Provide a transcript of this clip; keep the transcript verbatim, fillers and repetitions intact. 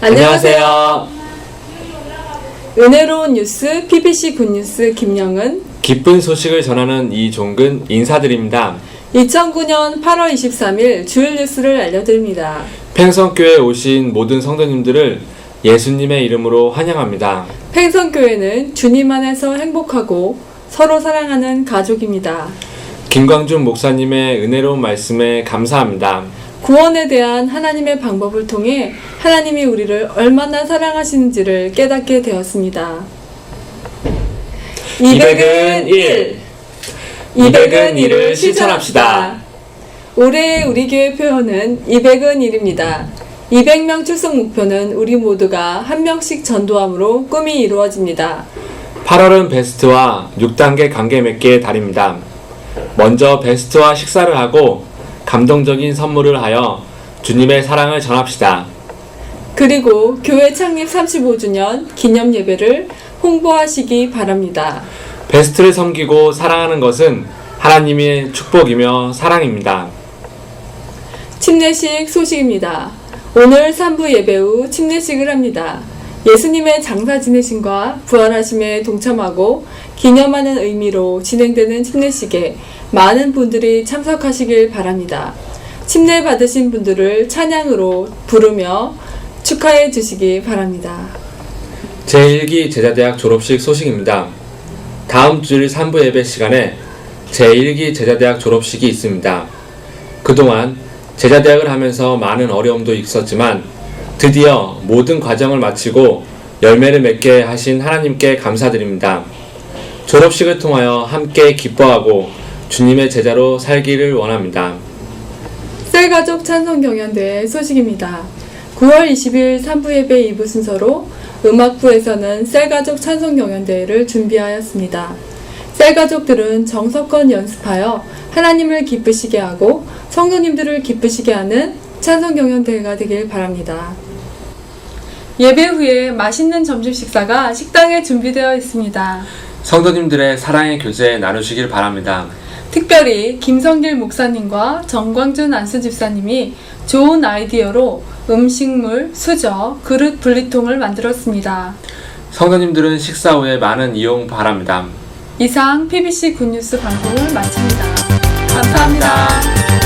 안녕하세요. 은혜로운 뉴스 피비씨 굿뉴스 김영은, 기쁜 소식을 전하는 이종근 인사드립니다. 이천구년 팔월 이십삼일 주일 뉴스를 알려드립니다. 팽성교회에 오신 모든 성도님들을 예수님의 이름으로 환영합니다. 팽성교회는 주님 안에서 행복하고 서로 사랑하는 가족입니다. 김광준 목사님의 은혜로운 말씀에 감사합니다. 구원에 대한 하나님의 방법을 통해 하나님이 우리를 얼마나 사랑하시는지를 깨닫게 되었습니다. 이백은 일. 이백은 일을 실천합시다. 올해의 우리 교회 표현은 이백은 일입니다. 이백 명 출석 목표는 우리 모두가 한 명씩 전도함으로 꿈이 이루어집니다. 팔월은 베스트와 육 단계 관계 맺기의 달입니다. 먼저 베스트와 식사를 하고 감동적인 선물을 하여 주님의 사랑을 전합시다. 그리고 교회 창립 삼십오 주년 기념 예배를 홍보하시기 바랍니다. 베스트를 섬기고 사랑하는 것은 하나님의 축복이며 사랑입니다. 침례식 소식입니다. 오늘 삼 부 예배 후 침례식을 합니다. 예수님의 장사 지내심과 부활하심에 동참하고 기념하는 의미로 진행되는 침례식에 많은 분들이 참석하시길 바랍니다. 침례 받으신 분들을 찬양으로 부르며 축하해 주시기 바랍니다. 제일 기 제자대학 졸업식 소식입니다. 다음 주일 삼 부 예배 시간에 제일 기 제자대학 졸업식이 있습니다. 그동안 제자대학을 하면서 많은 어려움도 있었지만 드디어 모든 과정을 마치고 열매를 맺게 하신 하나님께 감사드립니다. 졸업식을 통하여 함께 기뻐하고 주님의 제자로 살기를 원합니다. 셀가족 찬송경연대회 소식입니다. 구월 이십일 삼 부 예배 이 부 순서로 음악부에서는 셀가족 찬송경연대회를 준비하였습니다. 셀가족들은 정석껏 연습하여 하나님을 기쁘시게 하고 성도님들을 기쁘시게 하는 찬송경연대회가 되길 바랍니다. 예배 후에 맛있는 점심 식사가 식당에 준비되어 있습니다. 성도님들의 사랑의 교제 나누시길 바랍니다. 특별히 김성길 목사님과 정광준 안수 집사님이 좋은 아이디어로 음식물, 수저, 그릇 분리통을 만들었습니다. 성도님들은 식사 후에 많은 이용 바랍니다. 이상 피비씨 굿뉴스 방송을 마칩니다. 감사합니다.